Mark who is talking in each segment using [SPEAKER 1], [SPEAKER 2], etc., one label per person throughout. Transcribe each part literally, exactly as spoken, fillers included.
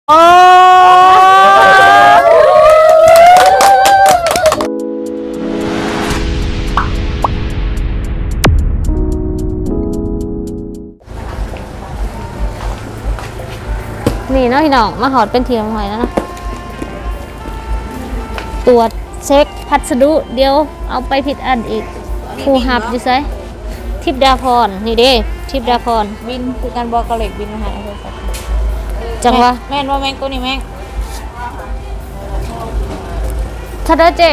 [SPEAKER 1] โอ้นี่เนาะพี่น้องมาหอดเป็นเทียมหอยแล้วเนาะตรวจเช็คพัสดุเดี๋ยวเอาไปผิดอันอีกผู้หับอยู่ไซทิพดาพรนี่เด้ทิพดาพร
[SPEAKER 2] บินคือการบอกกระเล็กบินมาหาโทรศัพท์
[SPEAKER 1] จังวะ
[SPEAKER 2] แม่นว่าแม่งตัวนี้แม่ง
[SPEAKER 1] ถ้าได้เจ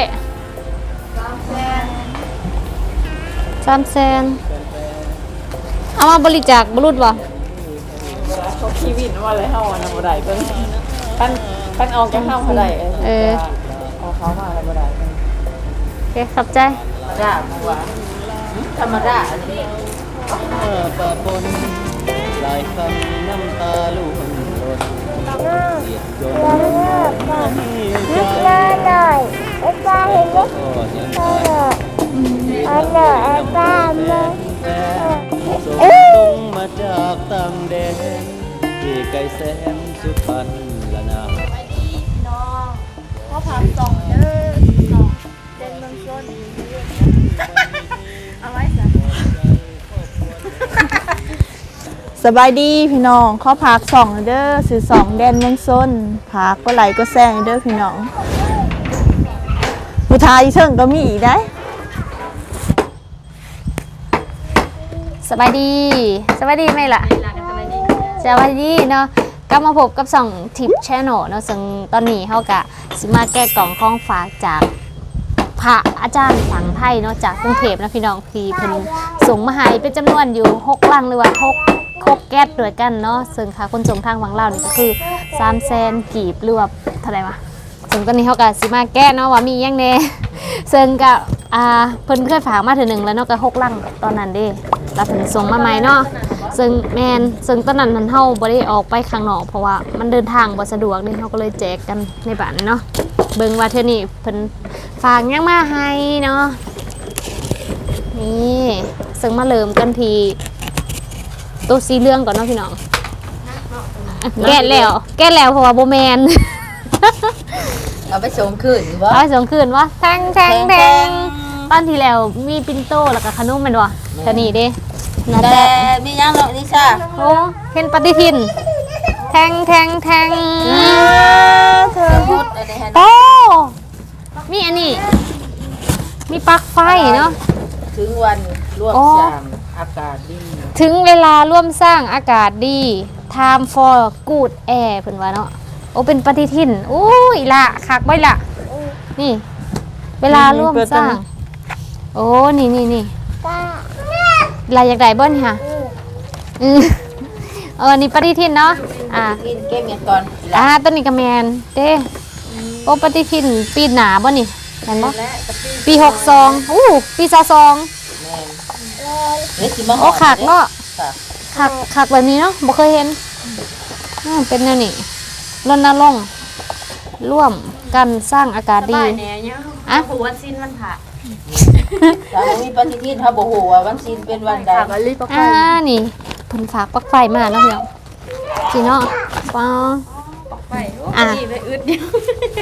[SPEAKER 1] สามแสนเอามาบริจาคบรุษบ่
[SPEAKER 2] เขาขี้วินว่าอะไรเฮาอ่ะนะบ่ได้เพิ่นปั้นปั้นออกจากเฮาบ่ได้เออเอาเขามาแล้วบ่ได้
[SPEAKER 1] โอเคขอบใจ
[SPEAKER 2] จ้าหัวธรรมดาอันนี้
[SPEAKER 3] เมื่อปะปนหลายคำน้ำตาลุ่มรนเสียดจน
[SPEAKER 4] นิดหน่อยไอ้ป้าเห็นไหมเออเออเออไอ้ป้ามา
[SPEAKER 3] ส่งตรงมาจากต่างแดนที่ไกลแสนสุพรรณละนา
[SPEAKER 4] เขาพาส่งเด้อส่งเดินเมืองชนเอาไว้สิ
[SPEAKER 2] สบายดีพี่น้องขอพักสองเด้อสื่อสองแดนเมืองซนพักก็ไหลก็แซงเด้อพี่น้องผู้ชายเชิงก็มีอีกได้
[SPEAKER 1] สบายดีสบายดีไหมล่ะสบายดีเนาะก็มาพบกับสองทิปแชนแนลเนาะซึ่งตอนนี้เขากะสิมาแก้กล่องข้องฝากจากพระอาจารย์สังไทยเนาะจากกรุงเทพนะพี่น้องพี่เพิ่นส่งมาให้เป็นจำนวนอยู่หกลังหรือว่าหกหกแก๊สด้วยกันเนาะซึ่งค่ะคนส่งทางวังเล่านี่ก็คือสามแสนกีบหรือว่าเท่าไหร่วะซึ่งตอนนี้เขากะสิมาแก้เนาะว่ามียังแน่ซึ่งกะอ่าเพิ่นเคยฝากมาเถื่อหนึ่งแล้วเนาะก็หกลังตอนนั้นเด้แล้วเพิ่นส่งมาใหม่เนาะซึ่งแมนซึ่งตอนนั้นมันเฮาบ่ได้ออกไปข้างนอกเพราะว่ามันเดินทางบ่สะดวกนี่เฮาก็เลยแจกกันในบ้านเนาะเบิ่งว่าเทื่อนี้เพิ่นฝากยังมาให้เนาะนี่ซึ่งมาเริ่มกันที่ตัวสีเหลืองก่อนเนาะพี่น้องแก้แล้วแก้แล้วเพราะว่าโบแมน
[SPEAKER 2] เอาไปส่งคืนวะ
[SPEAKER 1] เอาไปส่งคืนวะแทงแทงแทงตอนที่แล้วมีปิ่นโตแล้วก็ขนมมันวะแต่นี่เด้
[SPEAKER 2] แต่มียังเนาะนิชา
[SPEAKER 1] โอ้เห็นปฏิทินแทงแทงแทง
[SPEAKER 2] เธอพูดอะไรฮะ
[SPEAKER 1] โอ้มีอันนี้มีปลั๊กไฟเนาะ
[SPEAKER 2] ถึงวันร่วมสร้างอากาศดี
[SPEAKER 1] ถึงเวลาร่วมสร้างอากาศดี time for good air เพิ่นว่าเนาะโอ้เป็นปฏิทินโอ้ยละคักไว้ละนี่เวลาร่วมสร้างโอ้นี่นี่นี่ลายอยากได้บ่นค่ะอือเออนี่ปฏิทินเนาะอ่า
[SPEAKER 2] เก็บเงินก่อน
[SPEAKER 1] อ่าต้นนี้กระแมนเด้โอ้ปฏิทินปีหนาบ่นี่เห็นบ่ปีหกสองอู้ปีสสองโอ้ขากเนาะขากขากแบบนี้เนาะบ่เคยเห็นเป็นแนวนี้รณรงค์ร่วมกันสร้างอากาศดีอ่ะ
[SPEAKER 4] หัวสิ้นมันผ่า
[SPEAKER 2] ถ้ามีปฏิทินถ้าบ่ฮู้ว่าวันสิ้นเป็นวันใด
[SPEAKER 1] อ่านี่เพิ่นฝากปลั๊กไฟมาเนาะพี่น้องสิเนาะปอ
[SPEAKER 4] ปลั๊กไฟอ่ะไปอึดเดียว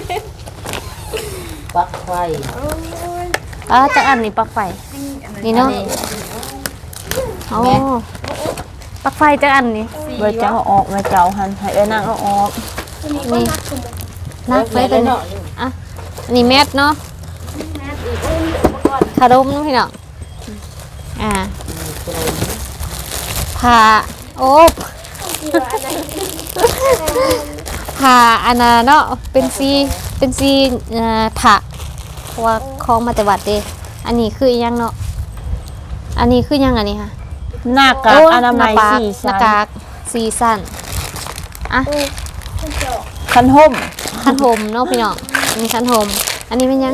[SPEAKER 2] ปลั๊กไฟ
[SPEAKER 1] อ่าจักอันนี้ปลั๊กไฟนี่เนาะโอ้ปลั๊กไฟจักอันนี่
[SPEAKER 2] บ่จะเอาออกมาเจ้าหันให้เอ้นางเอาออก
[SPEAKER 1] นี่นักไว้ตัวนี้อ่ะนี่แมสเนาะขนมเนาะพี่น้องอ่าผ่าโอ๊บผ่าอันน่ะเนาะเป็นซีเป็นซีอ่าผ่าเพราะว่าคล้องมาแต่วัดเด้อันนี้คือยังเนาะอันนี้คือยังอันนี้ค่ะ
[SPEAKER 2] หน้ากากอนามัยสี่
[SPEAKER 1] หน้ากากสี่สั้นอ่ะ
[SPEAKER 2] คันห่ม
[SPEAKER 1] คันห่มเนาะพี่น้องมีคันห่มอันนี้เป็นยัง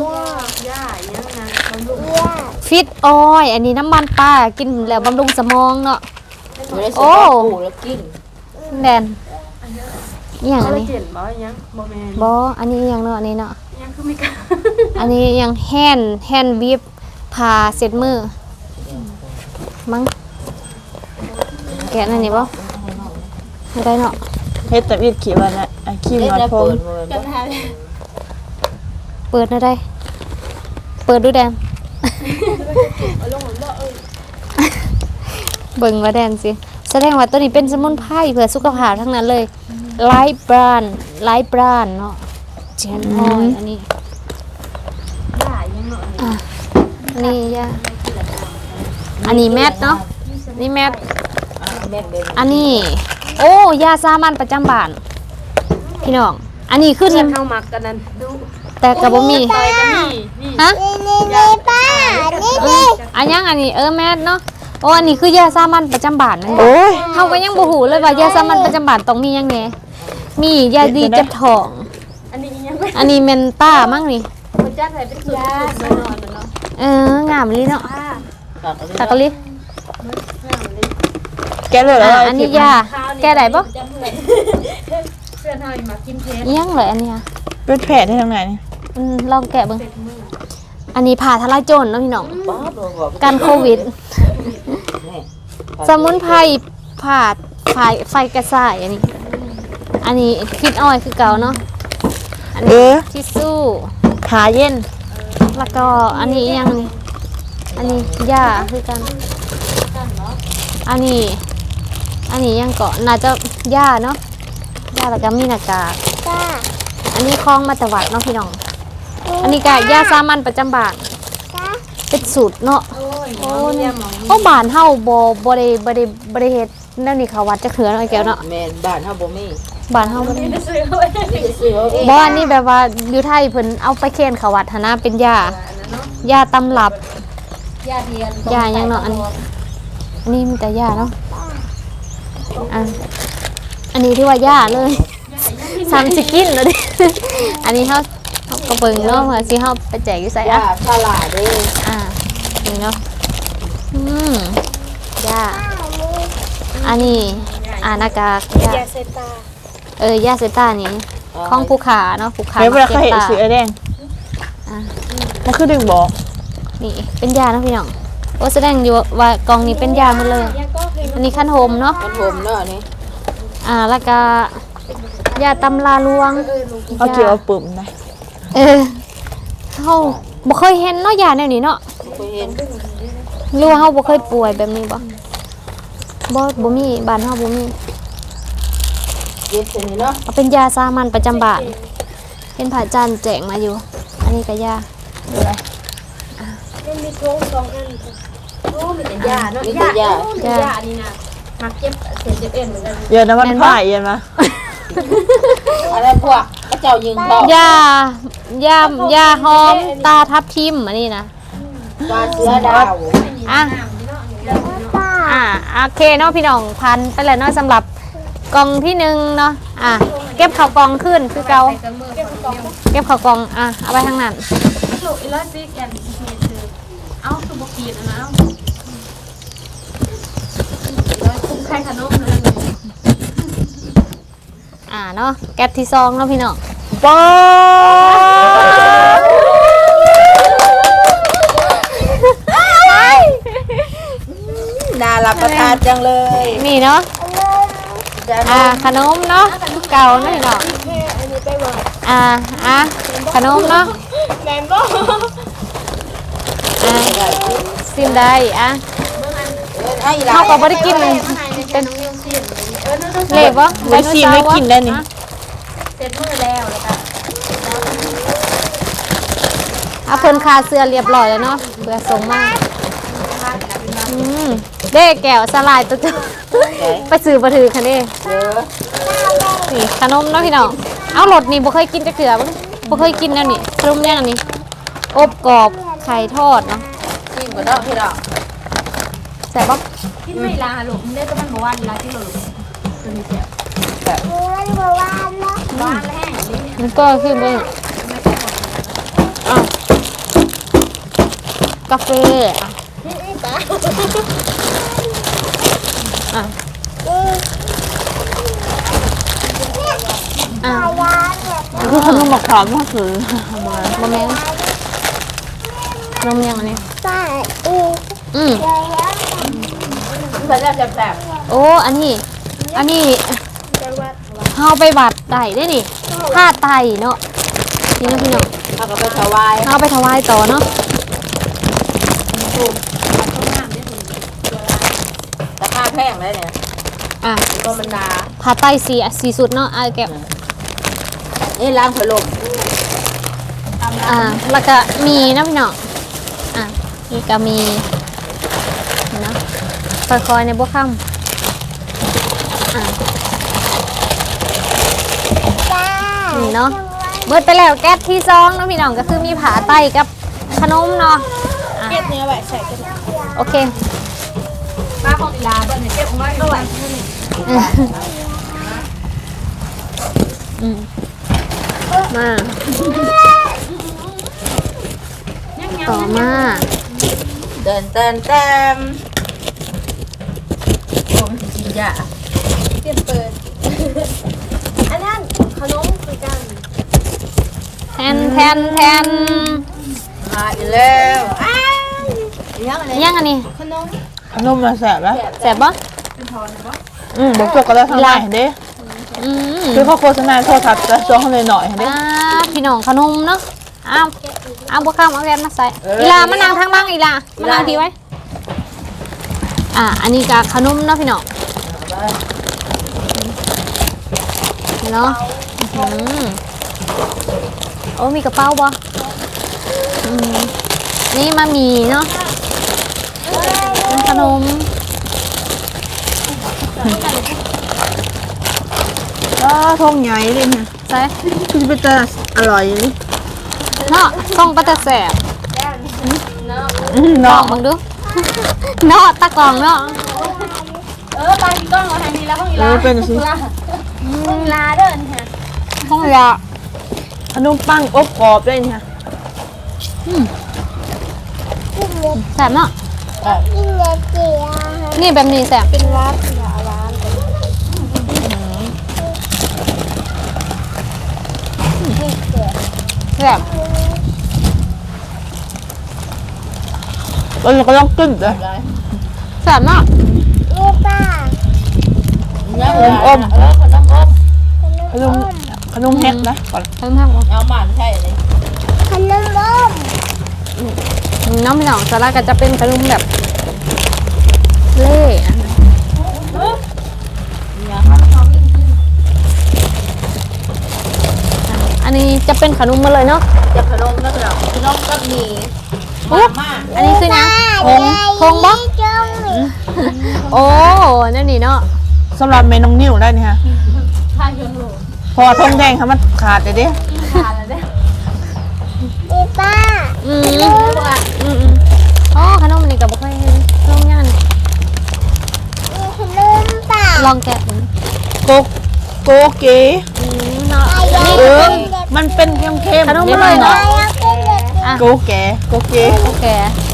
[SPEAKER 1] ฟิตออยอันนี้น้ำมันปลากินแล้วบำรุงสมองเนาะโอ้แดนนี่อย่างอันนี้บออันนี้ยังเนาะอันนี้เนาะอันนี้ยังแฮนแฮนบีบพาเสร็จมือมั้งแกะนั่นนี่บ่ไม่ได้เนาะ
[SPEAKER 5] เฮ็ดแต่อีดขี่วันน่ะอ่ะขี่
[SPEAKER 3] เล่น
[SPEAKER 5] มา
[SPEAKER 3] แล้ว
[SPEAKER 5] พร้อ
[SPEAKER 3] เปิ
[SPEAKER 5] ม
[SPEAKER 3] ดมือ
[SPEAKER 2] กันหา
[SPEAKER 1] เปิดนะได้ เปิดดูแดน
[SPEAKER 2] ลงเหมือนบ่เออ
[SPEAKER 1] เบิ่งว่าแดนสิแสดงว่าตัวนี้เป็นสมุนไพรเพื่อสุขภาพทั้งนั้นเลยไลฟ์บรานไลฟ์บรานเนาะเจนออยอันนี้
[SPEAKER 2] ได้ยังเนาะ
[SPEAKER 1] อ่ะอันนี้ยาอันนี้แมทเนาะนี่แมท
[SPEAKER 3] แม่นเป็น
[SPEAKER 1] อันนี้ โอ้ยาสามัญประจำบ้านพี่น้องอันนี้คือนี่
[SPEAKER 2] เข้ามักกันนั้นดู
[SPEAKER 1] แต่กับบ่มี
[SPEAKER 2] ไปกันนี่นี่
[SPEAKER 1] ฮะ
[SPEAKER 4] นี่นี่นี่ป้านี่
[SPEAKER 1] เอ
[SPEAKER 4] นี่
[SPEAKER 1] ออันยังอันนี้เออแมทเนาะโอ้อันนี้คือยาสามัญประจำบ้านนั่นเอง
[SPEAKER 5] โอ้ย
[SPEAKER 1] เฮาก็ยังบ่ฮู้เลยว่ายาสามัญประจำบ้านต้องมีหยังแหน่มียาดีเจ็บท้อง
[SPEAKER 2] อันนี้ยังไม่
[SPEAKER 1] อันนี้เมนต้ามั้งนี่
[SPEAKER 2] คนจ้าใส่เป็นสุดยาสนอนเนาะ
[SPEAKER 1] เอองามลีเนาะ
[SPEAKER 2] อ่า
[SPEAKER 1] ตะกะลิ
[SPEAKER 5] แกเลยแล้ว
[SPEAKER 1] อ่ะอันนี้ยาแก้ได้บ่
[SPEAKER 2] เพื่อนเฮามากินเพชร
[SPEAKER 1] อิหยังเลยอันเนี้ย
[SPEAKER 5] เป็นแผลที่ทางไหนนี่
[SPEAKER 1] อืมลองแกะเบิ่งอันนี้ผ่าทลายโจรเนาะพี่น้อง
[SPEAKER 3] ป๊าบลงบอก
[SPEAKER 1] กันโควิด
[SPEAKER 3] นี่
[SPEAKER 1] สมุนไพรผ่าไฟไฟกระส่ายอันนี้ อันนี้คิดอ้อยคือเก่าเนาะอัน
[SPEAKER 5] เอ
[SPEAKER 1] นี้
[SPEAKER 5] อ
[SPEAKER 1] ทิชชู่
[SPEAKER 5] ขาเย็น
[SPEAKER 1] แล้วก็อันนี้อีหยังนี่อันนี้ยาคือกัน อันนี้ อันนี้ยังเกาะน่าจะยาเนาะยาแล้วก็มีหน้ากาก
[SPEAKER 4] ป้า
[SPEAKER 1] อันนี้คลองมาตวัดเนาะพี่น้อง อันนี้ก็ยาสามัญประจำบ้าน
[SPEAKER 4] ป้า
[SPEAKER 1] เป็นสูตรเนาะ
[SPEAKER 2] โอ้ยโอ้ยเนี่ยหมอง
[SPEAKER 1] เพราะบ้านเฮาบ่บ่ได้บ่ได้บ่ได้เฮ็ดแนวนี้เขาวัดจะเขือเนาะไอ้แก้วเนาะ
[SPEAKER 3] แม่นบ้านเฮาบ่มี
[SPEAKER 1] บ้านเฮาบ่ได้
[SPEAKER 2] ไม่ซื้อเอาไว้
[SPEAKER 3] มีแต่ซื้อเอาเอง
[SPEAKER 1] บ่อันนี้แบบว่าอยู่ไทยเพิ่นเอาไปเคนเขาวัดหันนะเป็นยา ยาตำรับ
[SPEAKER 2] ยาเทียน
[SPEAKER 1] ยายังเนาะอันนี้อันนี้มีแต่ยาเนาะอ่ะอันนี้ที่ว่ายาเลยซ้ำสิกินแล้วดิ อันนี้เฮาเฮาก็เบิ่งเนาะว่าสิเฮาไปแจกอยู่ไส
[SPEAKER 3] ยา
[SPEAKER 1] อ่ะ
[SPEAKER 3] ฉลาดเด้
[SPEAKER 1] อ่านี่เนาะอืมยา
[SPEAKER 4] อันนี้
[SPEAKER 1] อันนี้อ่าหน้ากากยาย
[SPEAKER 2] าเซตา
[SPEAKER 1] เออยาเซต้านี่ของผู้ขาเนาะผู้ขา
[SPEAKER 5] เฮ้ยเวลา
[SPEAKER 1] ก็
[SPEAKER 5] เขา
[SPEAKER 1] บ
[SPEAKER 5] เห็น
[SPEAKER 1] ตา
[SPEAKER 5] สีไอ้แดง
[SPEAKER 1] อ่ะ
[SPEAKER 5] มันคือดึงบอก
[SPEAKER 1] นี่เป็นยาเนาะพี่น้องโอ้แสดงอยู่ว่ากล่องนี้เป็นยาหมดเลย
[SPEAKER 2] ยาก็คือ
[SPEAKER 1] อันนี้ขั้นโฮมเนาะ
[SPEAKER 3] มันห่มเนาะนี่
[SPEAKER 1] อ่าแล้วก็ยาตำลาลวง
[SPEAKER 5] เอาเกี่ยวเอาปุ่มนะ
[SPEAKER 1] เออเฮาบ่เคยเห็นเนาะยาแนวนี้เนาะ
[SPEAKER 3] บ่เห็น
[SPEAKER 1] หรือว่าเฮาบ่เคยป่วยแบบนี้บ่บ่บ่มีบ้านเฮาบ่มี
[SPEAKER 3] เย็ดซั่นนี่เนาะ
[SPEAKER 1] เอาเป็นยาสามัญประจำบ้านเห็นพระอาจารย์แจกมาอยู่ อันนี้ก็ยา
[SPEAKER 2] มันมีโค้งสองอันโอ้มีแต่ยาเนาะ
[SPEAKER 3] มีแต่ยา
[SPEAKER 2] มีแต่ยานี่นะมักเจ็บเสียเจ็บเอ็นเหมือนกัน
[SPEAKER 5] เย็นนะมันผ่ายเย็นมา
[SPEAKER 3] อะไรพวกพระเจ้ายิงเขา
[SPEAKER 1] ยายายาหอมตาทับทิมอันนี้นะ
[SPEAKER 3] ปลาเสือดาว
[SPEAKER 1] อ่ะ
[SPEAKER 4] ป้า
[SPEAKER 1] อ่ะโอเคเนาะพี่น้องพันไปแล้วเนาะสำหรับกล่องที่หนึ่งเนาะอ่ะเก็บข่าวกล่องขึ้นคือเกาเก็บข่าวกล่องอ่ะเอาไปทางนั้น
[SPEAKER 2] ลูกอีลาซิแกนซีเคือเอาคือบอกกีดนะเอาคุ้มไข่ขนมเลย
[SPEAKER 1] อ่ะเนาะแก็บที่ซองเนาะพี่น้อง
[SPEAKER 5] ป๊าบ
[SPEAKER 3] น่ารับประทานจังเลย
[SPEAKER 1] นี่เนาะ
[SPEAKER 3] จ้า
[SPEAKER 1] อ่ะขนมเนาะเก่าเนาะพี่น้องอ่ะอ่ะขนมเนาะ
[SPEAKER 2] แมนบ่
[SPEAKER 1] อ่ะซิมได้อ่ะ
[SPEAKER 3] ไอ้หลา
[SPEAKER 1] เขาก็บ่ได้กินเลยเป็นเล็บวะ
[SPEAKER 5] ไว้ซีไม่กินได้นี่
[SPEAKER 2] เสร็จมือแล้วแล้วก็
[SPEAKER 1] เอาเพิ่นคาเสื้อเรียบร้อยแล้วเนาะเพื่อส่งมาอืมเด้แก้วสลายตัวจุไปซื้อบ่ถือคันนี้
[SPEAKER 3] เด้อ
[SPEAKER 1] นี่ขนมเนาะพี่น้องเอารสนี่บ่เคยกินจักเทื่อบ่บ่เคยกินแนวนี้ขนมอย่างอันนี้อบกรอบไข่ทอดเนาะ
[SPEAKER 3] กินบ่เนาะพี่น้อง
[SPEAKER 1] แซ่บบ่
[SPEAKER 2] กินไม่ลาลูกมันได้ก็มันบ่ว่าลาที่ลูกตัวนี้แซ่บ
[SPEAKER 4] มันบอกว่าเนาะ
[SPEAKER 2] บ้านแห้งนี่
[SPEAKER 1] มันก็คือบ่อ่ะกาแฟอ่ะอ่ะอ่ะ
[SPEAKER 4] ยาเนี่ย
[SPEAKER 5] คือขนมมะขามมากเลย
[SPEAKER 1] บะแมนนมยังอันนี้
[SPEAKER 4] ป้าอีก
[SPEAKER 1] อืม
[SPEAKER 4] เดี๋ยว
[SPEAKER 3] เพิ่นแล้วแซ่บ
[SPEAKER 1] โอ้ อันนี้ อันนี้
[SPEAKER 2] จังหวัด
[SPEAKER 1] เฮาไปวัดได้ได้นี่ผ้าไตเนาะนี่เนาะพี่น้อง
[SPEAKER 2] เอาก็ไปถวาย
[SPEAKER 1] เฮาไปถวายต่อเนาะ
[SPEAKER 2] ราคาแพงเลยเนี่ย
[SPEAKER 1] อ่ะ
[SPEAKER 2] ก็มันดา
[SPEAKER 1] ผ้าไตสีสีสุดเนาะอ่ะแก้ว
[SPEAKER 2] นี่ล้างผลม
[SPEAKER 1] อ่าแล้วก็มีนะพี่น้องอ่ะนี่ก็มีเนาะค่อยๆในบ่ค่ำอ่ะ
[SPEAKER 4] จ้า
[SPEAKER 1] นี่เนาะเบิดไปแล้วแก๊สที่ซองเนาะพี่น้องก็คือมีผาไตกับขนมเนาะอ่ะ
[SPEAKER 2] เก็บเนื้อไว้ใส่กัน
[SPEAKER 1] โอเค
[SPEAKER 2] ป้าของอีลาเบิ้ลเนี่ยเก็บของไว้ด้วย
[SPEAKER 1] อืมมาต่อมา
[SPEAKER 2] เดินเต้นเต้มโอ้มันจริงจ้ะ
[SPEAKER 4] เตรียมเปิด อันนั้นขนมคือกัน
[SPEAKER 1] แทนแทนแทน
[SPEAKER 2] มาอีกแล้วอ้าวยังอะไร
[SPEAKER 1] ยังอันนี้
[SPEAKER 2] ขนม
[SPEAKER 5] ขนมมาแสบแล้ว
[SPEAKER 1] แสบปะ
[SPEAKER 5] อืมบอกจกกันแล้วทางไหนเด้
[SPEAKER 1] อืม
[SPEAKER 5] คือเขาโฆษณาโทรทัศน์จะช่วงเขาเลยหน่อยเด้
[SPEAKER 1] อ่าพี่น้องขนมเนาะอ้าวอ้าวบวข้ามเอาแกนมาใส่อีลามานั่งทางบ้างอีลามานั่งทีไว้ อ่า อันนี้ก็ขนมเนาะพี่น้องเนาะอื้อหือโอ้มีกระเป๋าบ่อืมนี่มามีเนาะขนม
[SPEAKER 5] ก็ทงใหญ่เลยเนี่ย
[SPEAKER 1] ใส่
[SPEAKER 5] คือเป็นจะอร่อยเลย
[SPEAKER 1] เนาะต้องปลาตะแสบ
[SPEAKER 5] อืม
[SPEAKER 1] ลอ
[SPEAKER 5] เนาะ
[SPEAKER 1] งมึงดู เนาะตะกล่องเนาะ
[SPEAKER 2] เออไปพี่ก้องเอาทางนี้แล้วห้องอี
[SPEAKER 5] เอ
[SPEAKER 2] ลา
[SPEAKER 5] อเป็นสิ
[SPEAKER 2] ห้องอีลาเดินค่ะ
[SPEAKER 1] ห้องยา
[SPEAKER 5] ขนมปังอบกรอบด้วยเนี่ย
[SPEAKER 1] แสบเนาะ
[SPEAKER 4] กินเนื้อเจียว
[SPEAKER 1] นี่แบบนี้แสบ
[SPEAKER 4] เป็นวัดเหรอร้าน
[SPEAKER 1] แสบ
[SPEAKER 5] แล้วเราก็ต้องขึ้นเลย
[SPEAKER 1] แสบเนาะ
[SPEAKER 4] นี่ป้า
[SPEAKER 2] ยังเออขนมอม
[SPEAKER 5] ขนมขนมแฮกนะก่อน
[SPEAKER 1] เพิ่มเพิ่ม
[SPEAKER 2] เอาหมันใช่เลย
[SPEAKER 4] ขนมอม
[SPEAKER 1] น้องพี่น้องสาระก็จะเป็นขนมแบบเล่อะอันนี้จะเป็นขนมมาเลยเนาะ
[SPEAKER 2] จะขนมแล้วก็ดอกขนมก็มี
[SPEAKER 1] อุ๊ยอันนี้คือยังพงพงบ่
[SPEAKER 4] จ้องหมี
[SPEAKER 1] โอ้นั่นนี่เนาะ
[SPEAKER 5] สำหรับเมนูนิ่วได้นี่ฮะ
[SPEAKER 2] ข้าวเยอะโหล
[SPEAKER 5] พอทงแดงค่ะมันขาดเลยเด้
[SPEAKER 2] ทานแล้วเนี่ย
[SPEAKER 4] นี่ป้า
[SPEAKER 1] อืมอืมอืมอ๋อขนมนี่กับบุคคลขนมย่าน
[SPEAKER 4] นี่ขนมป้า
[SPEAKER 1] ลองแกะดู
[SPEAKER 5] โกโกเก๋
[SPEAKER 1] อืมเนาะอันนี้
[SPEAKER 5] เอ
[SPEAKER 1] ก็
[SPEAKER 5] อ
[SPEAKER 1] เป็น
[SPEAKER 5] มันเป็นเค็มเค็ม
[SPEAKER 1] ขนมอร่อยเนอะ
[SPEAKER 4] แล้วก็เลือก
[SPEAKER 1] อ่ะ
[SPEAKER 5] โกแก๋โกเก๋
[SPEAKER 1] โอเค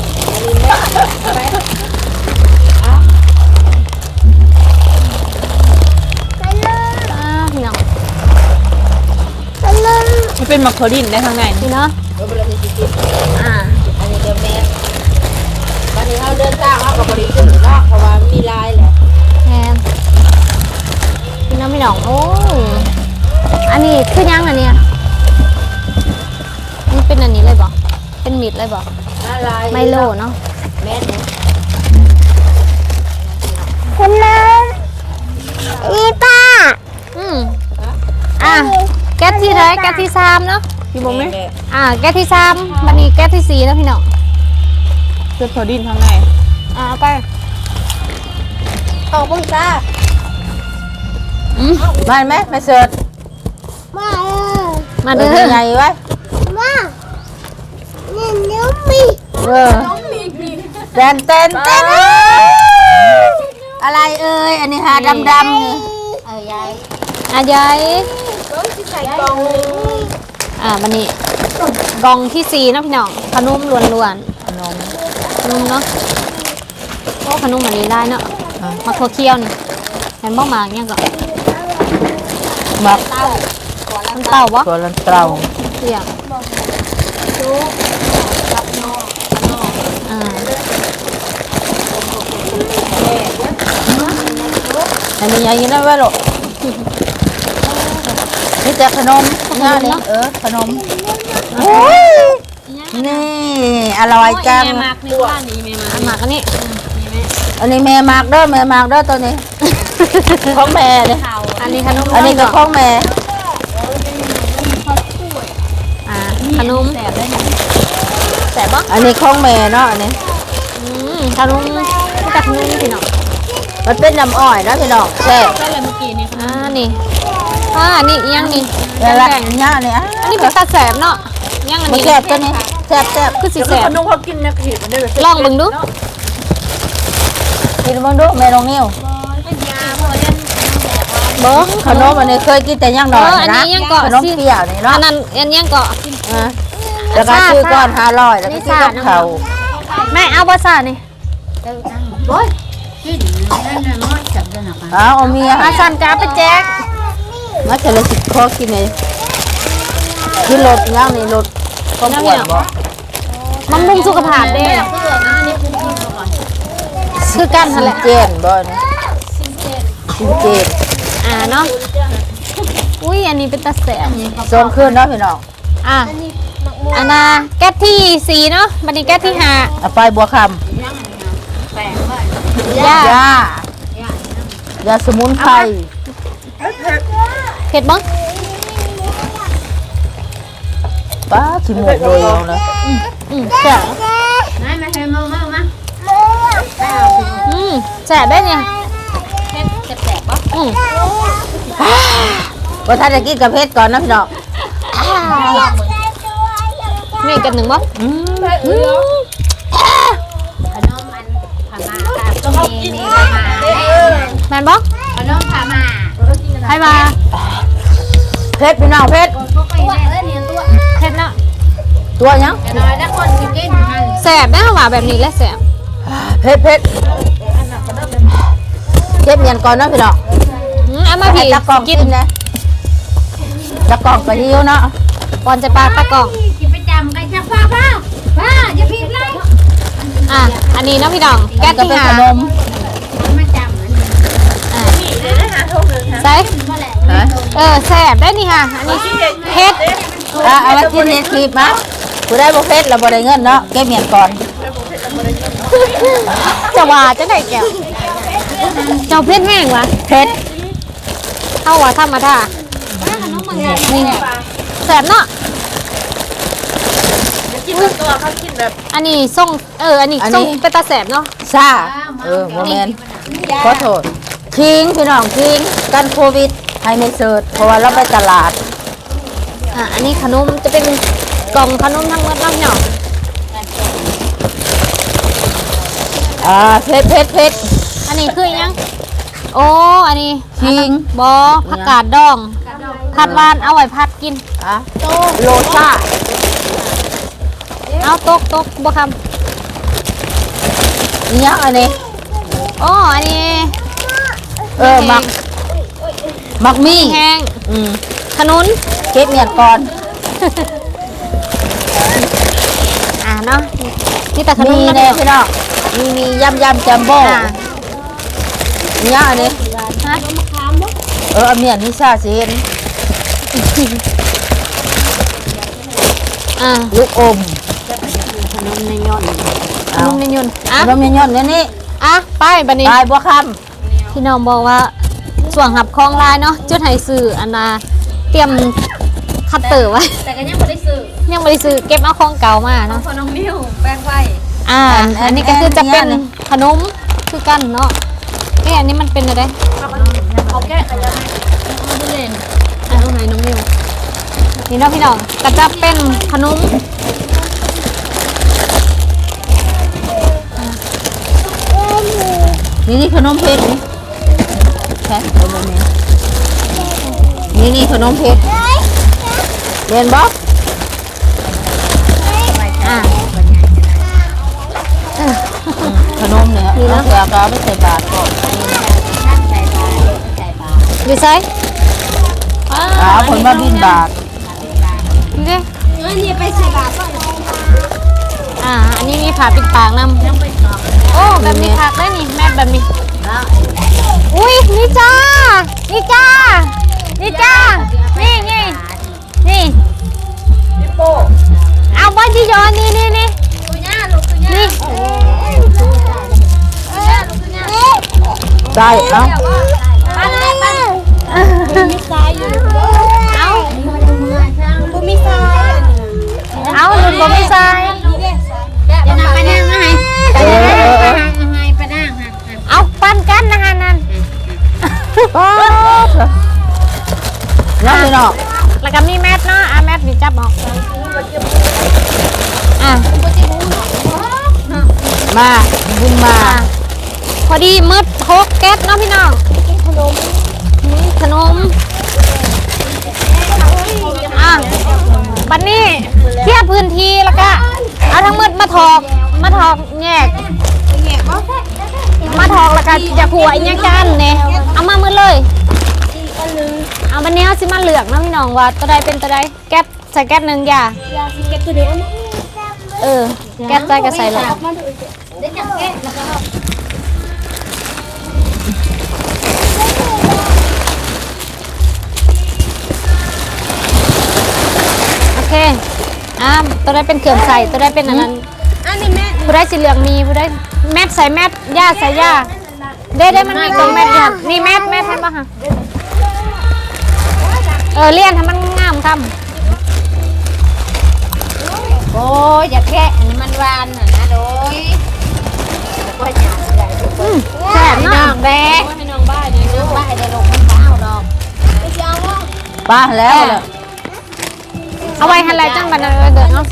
[SPEAKER 1] อ่าพี่น้อง
[SPEAKER 4] ขนม
[SPEAKER 5] มันเป็นมักโคดินได้ทางไหน
[SPEAKER 1] พี่เนาะ
[SPEAKER 2] เดี๋ยวเราจะกิน
[SPEAKER 1] อ่า
[SPEAKER 2] อันนี้เดี๋ยวแม่วันนี้เราเดินทางเรากับบริสุทธิ์เนาะเพราะว่ามีลายแหละ
[SPEAKER 1] แทนพี่น้องพี่น้องโอ้ยอันนี้คือยังอันเนี้ยนี่เป็นอันนี้เลยบ่เป็นมิดเลยบ่
[SPEAKER 2] ลาย
[SPEAKER 1] ไมโลเนาะ
[SPEAKER 2] แม่เนี่ย
[SPEAKER 4] ขนมนี่ป้า
[SPEAKER 1] อืมอ่ะแก๊สที่เท่าไหรแก๊สที่สามเนาะ
[SPEAKER 5] พี่บงไหม
[SPEAKER 1] อ่าแก๊สที่สามบันนี้แก๊สที่สี่แล้วพี่น้อง
[SPEAKER 5] เป็นโคดินทางไหน
[SPEAKER 1] อ่าเอาไป
[SPEAKER 2] เอาปุ้ยจ้า
[SPEAKER 1] อืม
[SPEAKER 5] ได้ไหมไม่เสิร์ช
[SPEAKER 4] มาเออ
[SPEAKER 1] มาเด้อ
[SPEAKER 5] ไงไว้
[SPEAKER 4] มานี่นิ้วมี
[SPEAKER 5] เออแตนเต้นเต้น
[SPEAKER 2] อะไรเอ่ยอันนี้ฮะดำดำนี่เออยาย
[SPEAKER 1] อ่ะยาย
[SPEAKER 2] ใส่กล่อง
[SPEAKER 1] อ่าบันนี้กล่องที่สี่เนาะพี่น้องขนมล้วน
[SPEAKER 5] ขนม
[SPEAKER 1] ๆขนมเนาะโอ้ขนมอันนี้ได้เนาะมาโคเคียวนี่เห็นบ้องมากเนี่ยงก็
[SPEAKER 5] มัก
[SPEAKER 1] มันเต่าบ่
[SPEAKER 5] ตัวลันเตา
[SPEAKER 1] เสี่ยงอ่า
[SPEAKER 5] อันนี้ยังกินได้ไหมลูกนี่แต่ขนมง่ายเลยเออขนมโอ้ยนี่อร่อยจัง
[SPEAKER 1] แม่มากนี่ว่านี่แม่มากมากอันนี้
[SPEAKER 5] อันนี้แม่มากเด้อแม่มากเด้อตัวนี้ของแม่เลย
[SPEAKER 1] อันนี้ขนม
[SPEAKER 5] อันนี้ก็ของแม่
[SPEAKER 1] อ่าขนมแสบได้ยังแสบปะ
[SPEAKER 5] อันนี้ของแม่เนาะอันนี้
[SPEAKER 1] อืมขนมแต่ขนมพี่น้อง
[SPEAKER 5] มันเป็นน้ำอ้อยนะพี่น้องแซ่บ
[SPEAKER 1] ก็เลยเมื่อกี้นี่อ่านี่อ่านี่อีหยังนี่
[SPEAKER 5] นี่ละ
[SPEAKER 1] แดง
[SPEAKER 5] นี่นี่อ่ะ
[SPEAKER 1] อันนี้เป็นตาแสบเนาะอีหยังอัน
[SPEAKER 5] มัน
[SPEAKER 1] นี้
[SPEAKER 5] แซ่บตัวนี้แซ่บแซ่บ
[SPEAKER 1] คือสีแสบ
[SPEAKER 2] ขนมเขากินเนี่ยเห็ดมันได้แบบ
[SPEAKER 1] ลองเบิ่งดู
[SPEAKER 5] กินมึงดูแม่ลองนิ้วเบิ้งขนมอันนี้เคยกินแต่ย่างหน่อย
[SPEAKER 1] เอออันนี้
[SPEAKER 5] นะ
[SPEAKER 1] ย่างเกาะ
[SPEAKER 5] ขนมเปรี้ยวนี่
[SPEAKER 1] อั
[SPEAKER 5] เนาะ
[SPEAKER 1] นนั้นอันยังเกาะ
[SPEAKER 5] อ่ะแล้วก็ซื้อก้อนห้าร้อยแล้วก็ซื้อกับเขาว
[SPEAKER 1] แม่เอาภาษานี่
[SPEAKER 5] เอาเอาเมีย
[SPEAKER 1] อาสันจะเอาไปแจก
[SPEAKER 5] มาเฉลยสิขอกินเลยกินรถย่างนี่รถก็ปวดบ่
[SPEAKER 1] มันบุ้งสุขภาพเด้คือกันนั่นแหละ
[SPEAKER 5] เจนบ่เนี่ยกินเจน
[SPEAKER 1] อ่าเนาะอุ้ยอันนี้เป็นตาแสบ
[SPEAKER 5] โซนขึ้นเนาะพี่น้อง
[SPEAKER 1] อ่ะอันน่ะแก๊สที่สี่เนาะบัดนี้แก๊สที่ห้า
[SPEAKER 5] เอาไปบัวค
[SPEAKER 1] ย่า
[SPEAKER 5] ำยา ยาสมุนไพร
[SPEAKER 1] เผ็ดบ้าง
[SPEAKER 5] ป้าขี้หมูกเลยเอานะ
[SPEAKER 1] อืมแสบอืมแสบได้เนี่ยแสบแสบปะอืม
[SPEAKER 5] ว่าถ้าจะกินกับเพชรก่อนนะพี่น้อง
[SPEAKER 1] นี่กันหนึ่งบ้าง
[SPEAKER 5] อืม
[SPEAKER 1] แมนบ้างให้มา
[SPEAKER 5] เพชรพี่น้องเพชร
[SPEAKER 1] เผ็ดเนาะ
[SPEAKER 5] ตัวยัง
[SPEAKER 1] แสบได้หว่าแบบนี้แหละแสบ
[SPEAKER 5] เพชรเพชรเก็บเงินก่อนนะพี่น้อง
[SPEAKER 1] อืมเอามา
[SPEAKER 5] ให้
[SPEAKER 1] พี่
[SPEAKER 5] ตะกล่อง
[SPEAKER 1] กิ
[SPEAKER 5] กิ
[SPEAKER 1] น
[SPEAKER 5] นนะตะกล่องก็หิวเนาะ
[SPEAKER 1] ก่อนจะปลาตะกล่อง
[SPEAKER 4] กินประจำกันชักพ่อพ่อพ่ออย่าพิมพ์เลย
[SPEAKER 1] อ่ะอันนี้เนาะพี่น้องแก๊ส
[SPEAKER 5] ก็
[SPEAKER 1] ที่
[SPEAKER 5] เป็น
[SPEAKER 1] ห้า
[SPEAKER 5] ขนม
[SPEAKER 4] มาจำมัน
[SPEAKER 1] อ่ะใส่
[SPEAKER 5] ฮะ
[SPEAKER 1] เออแสบได้นี่ค่ะ อันนี้เผ็ด
[SPEAKER 5] อ่ะเอาไว้กินเฮ็ดคลิปมากูได้บ่เพชรแล้วบ่ได้เงินเนาะเก็บเงินก่อน
[SPEAKER 1] จะว่าจะได้แก้วเจ้าเผ็ดแห้งวะ
[SPEAKER 5] เพชร
[SPEAKER 1] เข้าว่าธรรมดานี่แสบเนาะ
[SPEAKER 2] กินตัวเขากินแบบ
[SPEAKER 1] อันนี้ส่งเอออันนี้ส่งเป็นตาแสบเนาะ
[SPEAKER 5] ซ่าเออบ่แม่นขอโทษคิงพี่น้องคิงกันโควิดให้ไม่เสิร์ชเพราะว่าเราไปตลาด
[SPEAKER 1] อ่ะอันนี้ขนมจะเป็นกล่องขนมทั้งหมดเนาะพี่น้อง
[SPEAKER 5] อ่าเพชรเพชรเพชร
[SPEAKER 1] อันนี้คืออิหยังโอ้อันนี้
[SPEAKER 5] คิง
[SPEAKER 1] บอผักกาดดองผัดหวานเอาไว้ผัดกิน
[SPEAKER 5] อ่ะโลซ่า
[SPEAKER 1] เอาตกตกบ่ค
[SPEAKER 5] นี่ยังอันนี้
[SPEAKER 1] ำโอ้อันนี้
[SPEAKER 5] เออมักมักมี่
[SPEAKER 1] แห้ง
[SPEAKER 5] อืม
[SPEAKER 1] ขนุน
[SPEAKER 5] เก็บเงินก่อน
[SPEAKER 1] อ่าเนาะนี่แต่ขนม
[SPEAKER 5] มี
[SPEAKER 1] นะ
[SPEAKER 5] แน่
[SPEAKER 1] พี่
[SPEAKER 5] พี่น้องมีมียำยำจัมโบ้
[SPEAKER 1] อ่า
[SPEAKER 5] นี่ยังอันนี้
[SPEAKER 1] ฮะ
[SPEAKER 5] เออเอาเมียนนี่ซาสิเห็น
[SPEAKER 1] อ่า
[SPEAKER 5] ลูกอม
[SPEAKER 1] ขนมในยนต์ขนมในยนต์อ่ะ
[SPEAKER 5] ขนมยอนๆเนี่ยนี่
[SPEAKER 1] อ่ะไปบัดนี้
[SPEAKER 5] ปลายบัวค
[SPEAKER 1] พี่น้องบอกว่าส่วนหับคลองลายเนาะจุดไห้ซื้ออันน่ะเตรียมคัตเตอร์ไว้
[SPEAKER 4] แต่ก็ยังไม่ได้ซื้อ
[SPEAKER 1] ยังไม่ได้ซื้อเก็บเอาของเก่ามาเนาะ
[SPEAKER 4] พอน้องนิ้วแป้งไว้
[SPEAKER 1] อ่า อันนี้ก็คือจะเป็นขนมคือกันเนาะเอ้ยอันนี้มันเป็นอะไร
[SPEAKER 4] เขาแก้กันยังไง
[SPEAKER 1] อ่ะตรงไหนน้องนิวนี่เนาะพี่น้องก็จะเป็นขนม
[SPEAKER 5] ำนี่นี่ขนมเพชรนี่ใช่เอาแบบนี้นี่นี่ขนมเพชรเรียนบอก
[SPEAKER 1] อ่า
[SPEAKER 5] ขนมเนี่ยเอาเสือกเอาไปใส่บาตรก่อน
[SPEAKER 1] อยู่ไซอ่า
[SPEAKER 5] เอาผลมาบินบาท
[SPEAKER 1] นี่ดิ
[SPEAKER 4] เงินนี่ไปใส่บาทก่อน
[SPEAKER 1] อ่า อันนี้มีผ่าปิดปากนำโอ้แบบนี้ผักได้นี่แม่แบบนี้อุ้ยนี่จ้านี่จ้านี่จ้านี่นี่นี่
[SPEAKER 2] พี่โป้
[SPEAKER 1] เอาบอลที่ย้อนนี่นี่นี่นี่
[SPEAKER 5] ได้เอ้า
[SPEAKER 1] เอาเอาหลุดบ่มีทราย
[SPEAKER 5] เออเออเออ
[SPEAKER 1] เอาปั้นกันนะฮะนั่น
[SPEAKER 5] ป๊าบนั่นเลยเนาะ
[SPEAKER 1] แล้วก็มีแมทเนาะอ่ะแมทนี่จับออกอ่ะ
[SPEAKER 5] มาบุญมา
[SPEAKER 1] อ่ะพอดีมืดหกแก๊สเนาะพี่น้องขนมขนมอ่ะบัดนี้เทียบพื้นที่แล้วก็เอาทั้งมืดมาถอกมาถอกแยกมาถอกแล้วก็จะขัวอีกอย่างกันเนี่ยเอามามืดเลยเอาบันนี้เอาสิมาเหลือกเนาะพี่น้องว่าตัวใดเป็นตัวใดแก๊สใส่แก๊สหนึ่งอย่าเออแก๊สใส่ก็ใส่เลยโอเคอ่ะตัวใดเป็นเขื่อนใส่ตัวใดเป็นอันนั้นผู้ใดสีเหลืองมีผู้ใดแมทใส่แมทย่าใส่ย่าได้ได้มันมีกล่องแมทอยู่นี่แมทแมทเห็นปะคะเออเลี่ยนทำมันงามคำ
[SPEAKER 4] โอ้ยอย่าแค่อันนี้มันหวานน่ะนะโดยก็อยากได้
[SPEAKER 1] อืมแซ่บเนาะแบก
[SPEAKER 2] ให้น้องบ้านเนี่ย
[SPEAKER 4] น้องบ้าได้ลงมันเปล่าดอก
[SPEAKER 5] ป้าแล้วเหรอ
[SPEAKER 1] เอาไว้ให้อะไรจังบันเออเดือดเนาะ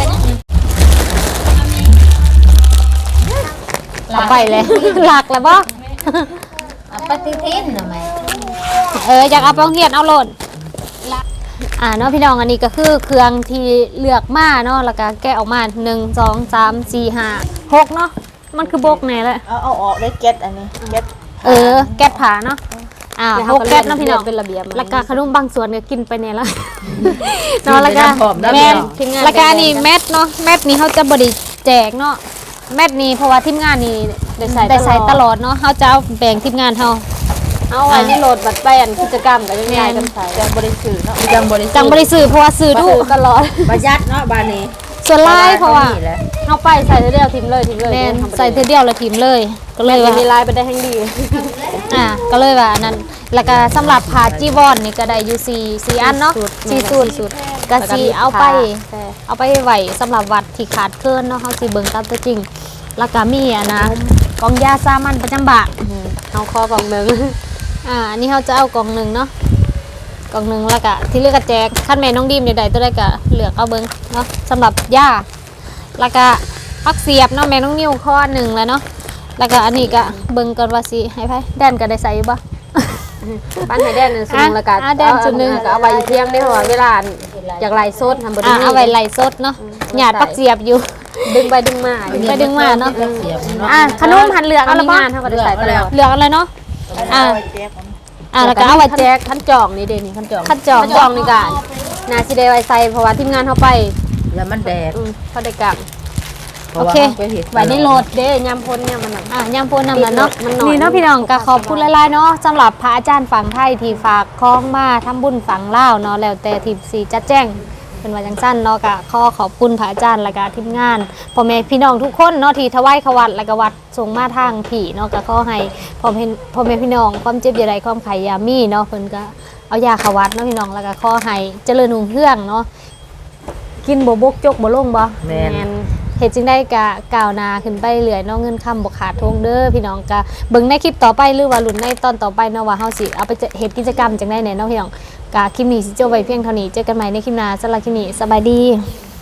[SPEAKER 1] เอาไปเลย หลักแล้วบ่
[SPEAKER 4] เอาปฏิทินหน่อยไหม
[SPEAKER 1] เอออยากเอาไปโรงเรียนเอาโหลดอ่าเนาะพี่น้องอันนี้ก็คือเครื่องที่เลือกมาเนาะแล้วก็แกะออกมาหนึ่งสองสามสี่ห้าหกเนาะมันคือบกแน่เลย
[SPEAKER 2] เอาเอาออกได้เก็ตอันนี้เก็ต
[SPEAKER 1] เออแก๊สผาเนาะอ่าหกแก๊สเนาะพี่น้อง
[SPEAKER 2] เป็นระเบียบ
[SPEAKER 1] แล้วก็ขนมบางส่วนก็กินไปเนี่ยละเนาะแล้วก็
[SPEAKER 5] แม่
[SPEAKER 1] แมทแล้วก็อันนี้แมทเนาะแมทนี้เขาจะบริแจกเนาะแมทนี้เพราะว่าทีมงานนี่
[SPEAKER 2] ได้ใส่
[SPEAKER 1] ได้ใส่ตลอดเนาะเขาจะเอาแบ่งทีมงานเขา
[SPEAKER 2] เอาไว้ในโหลดบัตรไปอันกิจกรรมก็ยังไงกันใส่ยังบริสุทธิ์เนาะ
[SPEAKER 5] จังบริสุทธิ์
[SPEAKER 1] จังบริสื่อเพราะว่าสื่อดู
[SPEAKER 2] ตลอด
[SPEAKER 5] ประหยัดเนาะบ้านนี้
[SPEAKER 1] ส่วนไล่เพราะว่า
[SPEAKER 5] แหละ
[SPEAKER 2] เอาไปใส่เดียวทิมเลยทิมเลย
[SPEAKER 1] แมนใส่เทอเดียวและทีมเลย ก็เลยว่า
[SPEAKER 2] มีลายไปได้ทั้งดี
[SPEAKER 1] อ่าก็เลยว่าอันนั้นแล้วก็สำหรับผ้าจีวรนี่ก็ได้อยู่สี่สี่อันเนาะสี่สูตรสูตรก็สีเอาไป เอาไปไหวสำหรับวัดที่ขาดเคินเนาะเขาสิเบิ่งตามตัวจริง แล้วก็มีอ่ะนะกองยาสามัญประจำบะ
[SPEAKER 2] เอาคอกล่องหนึ่ง
[SPEAKER 1] อ่าอันนี้เขาจะเอากล่องหนึ่งเนาะกล่องหนึ่งแล้วก็ที่เหลือกก็แจกขั้นแม่น้องดีมเดี๋ยวใดตัวใดก็เหลือกเอาเบิ่งเนาะสำหรับยาแล้วก็พักเสียบเนาะแม่น้องนิ้วข้อหนึ่งแล้วเนาะแล้วก็อันนี้ก็เบิ่งก่อนว่าสิให้ไผแดนก็ได้ใส่อยู่บ่
[SPEAKER 2] ปั้นให้แดนหนึ่งสุดแล้วกัน
[SPEAKER 1] อ่ะแดนจุดหนึ่ง
[SPEAKER 2] ก็เอาไว้เที่ยงได้เพราะว่าเวลาอยากไล่โซดทำบริ
[SPEAKER 1] อ่า
[SPEAKER 2] ษัท
[SPEAKER 1] เอาไว้ไล่สดเนาะหยาดปักเสียบอยู่
[SPEAKER 2] ดึงไปดึงมา
[SPEAKER 1] ไปดึงมาเนาะ
[SPEAKER 5] เสียบเนาะ
[SPEAKER 1] อ่ะขนมหันเหลืองเอาละบ่
[SPEAKER 2] งานเท่ากับได้ใส่ตลอด
[SPEAKER 1] เหลืองอะไรเนาะอ่าอ่าแล้วก็เอาไว้แจก
[SPEAKER 2] ขั้นจองนี่เด่นขั้นจอง
[SPEAKER 1] คัดจอง
[SPEAKER 2] ขั้นจองนี่กันนาซิเดไว้ใส่เพราะว่าทีมงานเขาไป
[SPEAKER 5] แล้วมันแดด
[SPEAKER 2] อืมเขาได้กลับ
[SPEAKER 5] พราะว่า
[SPEAKER 1] โอเค
[SPEAKER 5] ราไปเห็ด
[SPEAKER 2] ไว้ในโหลดเด้ยำพ้นเนี่ยมันหนัก
[SPEAKER 1] อ่ะยามพูนนำแล้วเนาะ
[SPEAKER 2] มันหน่อย
[SPEAKER 1] นี่เนาะพี่น้องก็ขอบคุณหลายๆเนาะสำหรับพระอาจารย์ฝั่งไทยที่ฝากคล้องมาทำบุญฝั่งลาวเนาะแล้วแต่ทีมสีจัดแจ้งเป็นว่าจังสั้นเนาะก็ขอขอบคุณพระอาจารย์และก็ทีมงานพ่อแม่พี่น้องทุกคนเนาะที่ถวายขวัญและก็วัดส่งมาทางผีเนาะก็ขอให้พ่อแม่พ่อแม่พี่น้องความเจ็บอย่าใดความไข่อยามีเนาะเพิ่นก็เอายาขวัดเนาะพี่น้องแล้วก็ขอให้เจริญรุ่งเรืองเนาะกินบ่บกจกบ่ลงบ่
[SPEAKER 5] แม่น
[SPEAKER 1] เหตุจึงได้กะกล่าวนาขึ้นไปเรื่อยเน้องเงินคำบกขาดทงเด้อพี่น้องกะเบิ่งในคลิปต่อไปหรือว่าลุ้นในตอนต่อไปเนาะว่าเฮาสิเอาไปเฮ็ดกิจกรรมจังได้แน่เนาะพี่น้องกะคลิปนี้สิจบไว้เพียงเท่านี้เจอกันใหม่ในคลิปหน้าสำหรับคลิปนี้สบายดี